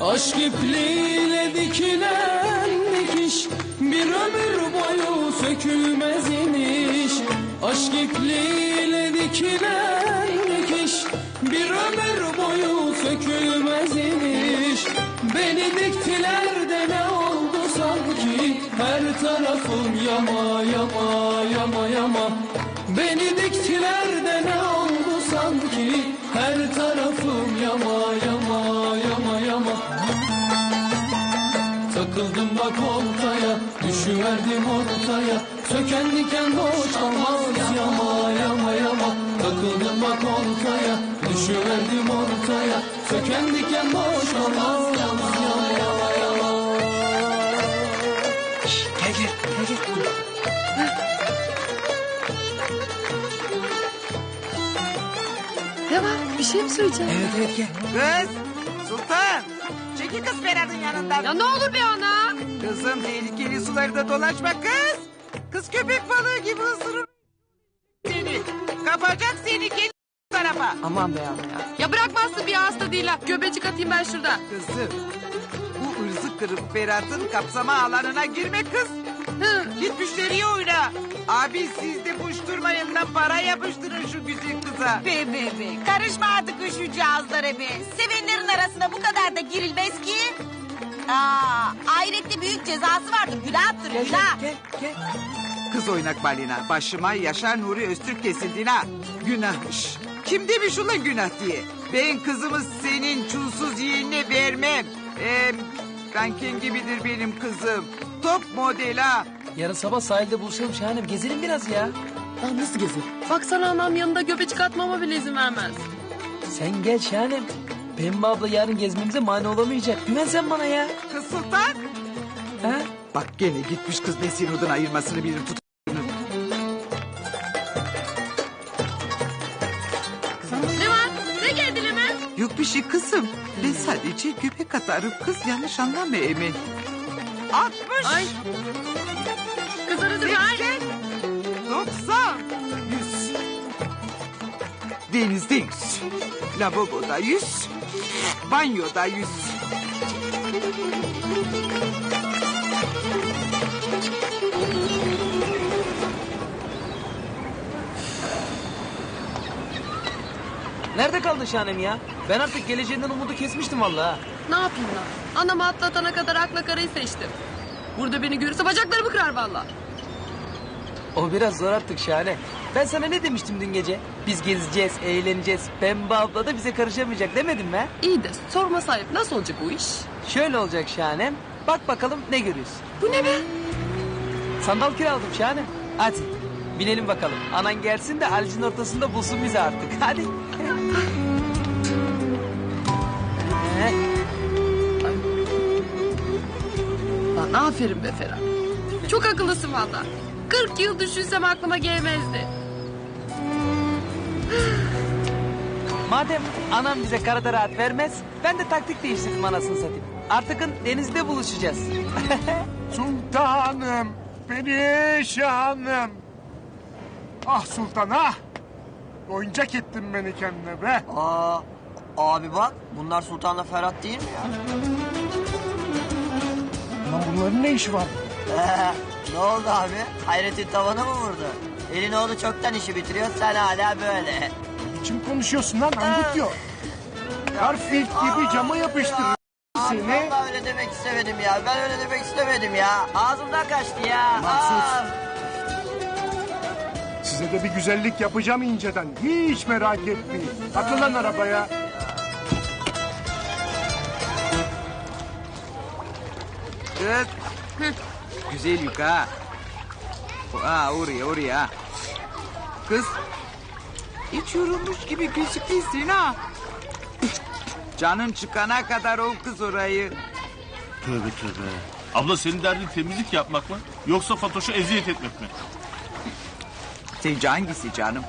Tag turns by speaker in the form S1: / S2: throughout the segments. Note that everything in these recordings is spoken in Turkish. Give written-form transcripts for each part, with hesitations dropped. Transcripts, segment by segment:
S1: Aşk ipliğiyle dikilen dikiş bir ömür boyu sökülmez iniş. Aşk ipliğiyle dikilen dikiş bir ömür boyu sökülmez iniş. Beni diktiler de ne oldu sanki, her tarafım yama yama yama yama. Beni diktiler de ne oldu sanki, her tarafım yama yama yama yama. Takıldım bak oltaya, düşüverdim ortaya, söken diken boş kalmaz yama yama yama. Takıldım bak oltaya, düşüverdim ortaya, söken diken boş kalmaz yama yama yama.
S2: Gel gel.
S3: Ne var? Bir şey mi söyleyeceksin?
S2: Evet gel.
S4: Kız Sultan. Çekil kız Ferhat'ın yanından.
S3: Ya ne olur be ana.
S4: Kızım tehlikeli sularda dolaşma kız. Kız köpek balığı gibi ısırır seni. Kapacak seni kendi tarafa.
S2: Aman be ana ya.
S3: Ya bırakmazsın bir hasta değil ha. Göbecik atayım ben şurada.
S4: Kızım bu ırzı kırık Ferhat'ın kapsama alanına girme kız.
S3: Hı.
S4: Git müşteriye oyna. Abi siz de puşturmayın lan, para yapıştırın şu güzel kıza.
S5: Be. Karışma artık şu cihazlara be. Sevenlerin arasına bu kadar da girilmez ki. Ahirette büyük cezası vardır. Günahtır günah.
S4: Gel. Kız oynak balina. Başıma Yaşar Nuri Öztürk kesildin ha. Günahmış. Kim demiş ulan günah diye? Ben kızımı senin çulsuz yeğenine vermem. Kankin gibidir benim kızım. Top model ha.
S2: Yarın sabah sahilde buluşalım Şahanem. Gezelim biraz ya.
S3: Lan nasıl gezin? Baksana anam yanında göbecik atmama bile izin vermez.
S2: Sen gel Şahanem. Pembe abla yarın gezmemize mani olamayacak. Güven sen bana ya.
S4: Kız Sultan.
S2: Ha?
S4: Bak gene gitmiş kız Nesin odun ayırmasını bilir tut.
S3: Ne var? Ne geldin hemen?
S4: Yok bir şey kızım. Ben sadece göbek atarım. Kız yanlış anlama Emin. 60.
S3: Ay. Kız aradı ay.
S4: 90. 100. Denizde 100. Lavaboda 100. Banyoda 100.
S2: Nerede kaldın Şahanem ya? Ben artık geleceğinden umudu kesmiştim vallahi.
S3: Ne yapayım lan? Anamı atlatana kadar akla karayı seçtim. Burada beni görürse bacaklarımı kırar vallahi.
S2: O biraz zor artık Şahane. Ben sana ne demiştim dün gece? Biz gezeceğiz, eğleneceğiz. Pembe abla da bize karışamayacak demedim mi?
S3: İyi de sorma sahip nasıl olacak bu iş?
S2: Şöyle olacak Şahanem. Bak bakalım ne görüyorsun?
S3: Bu ne be?
S2: Sandal kiraladım Şahanem. Hadi binelim bakalım. Anan gelsin de Haliç'in ortasında bulsun bizi artık. Hadi.
S3: Lan aferin be Ferhat. Çok akıllısın valla. 40 yıl düşünsem aklıma gelmezdi.
S2: Madem anam bize karada rahat vermez... ben de taktik değiştirdim anasını satayım. Artık denizde buluşacağız.
S6: Sultanım, perişanım. Ah sultan ah. Oyuncak ettin beni kendine be.
S7: Abi bak bunlar Sultan'la Ferhat değil mi ya?
S6: Lan bunların ne işi var?
S7: Ne oldu abi? Hayrettin tavana mı vurdu? Elin oğlu çoktan işi bitiriyor sen hala böyle.
S6: Kim konuşuyorsun lan angut diyor. Garfield gibi cama yapıştırır
S7: Abi
S6: seni.
S7: vallahi öyle demek istemedim ya. Ben öyle demek istemedim ya. Ağzımdan kaçtı ya.
S6: Mahsus. Size de bir güzellik yapacağım inceden. Hiç merak etmeyin. Atın lan arabaya.
S4: Kız. Güzel yük ha. Oraya. Kız. Hiç yorulmuş gibi gözüküyorsun ha. Canın çıkana kadar ol kız orayı.
S8: Tövbe. Abla senin derdin temizlik yapmak mı? Yoksa Fatoş'a eziyet etmek mi?
S4: Sence hangisi canım?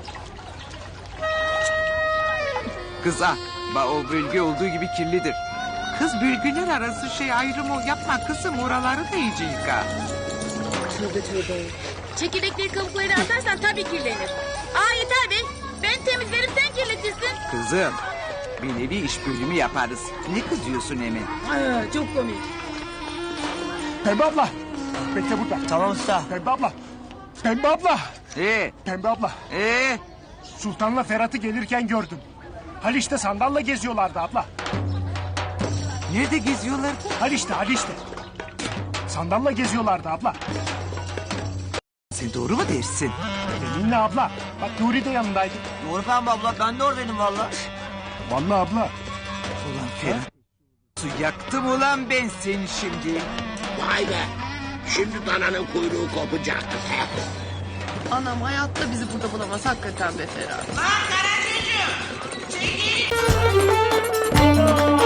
S4: Kız o bölge olduğu gibi kirlidir. Kız bölgeler arası ayrımı yapma kızım. Oraları da iyice yıka.
S5: Çekirdekleri kabuklarını atarsan tabii kirlenir. Yeter be. Ben temizlerim sen kirletirsin.
S4: Kızım Bir nevi iş bölümü yaparız. Ne kızıyorsun Emin?
S3: Çok komik.
S6: Pembe abla. Bekle burada.
S7: Tamam usta.
S6: Pembe abla. Pembe abla. Pembe abla. Sultan'la Ferhat'ı gelirken gördüm. Haliç'te sandalla geziyorlardı abla.
S4: Nerede geziyorlar?
S6: Haliç'te. Sandalla geziyorlardı abla.
S4: Sen doğru mu dersin?
S6: Yeminle abla. Bak Nuri de yanındaydı.
S7: Doğru Pembe abla ben de oradaydım valla.
S6: Vallahi abla.
S4: Ulan Ferhat. Su yaktım ulan ben seni şimdi.
S9: Vay be. Şimdi dananın kuyruğu kopacak.
S3: Anam hayatta bizi burada bulamaz hakikaten be Ferhat.
S5: Lan Karacığım. Çekil.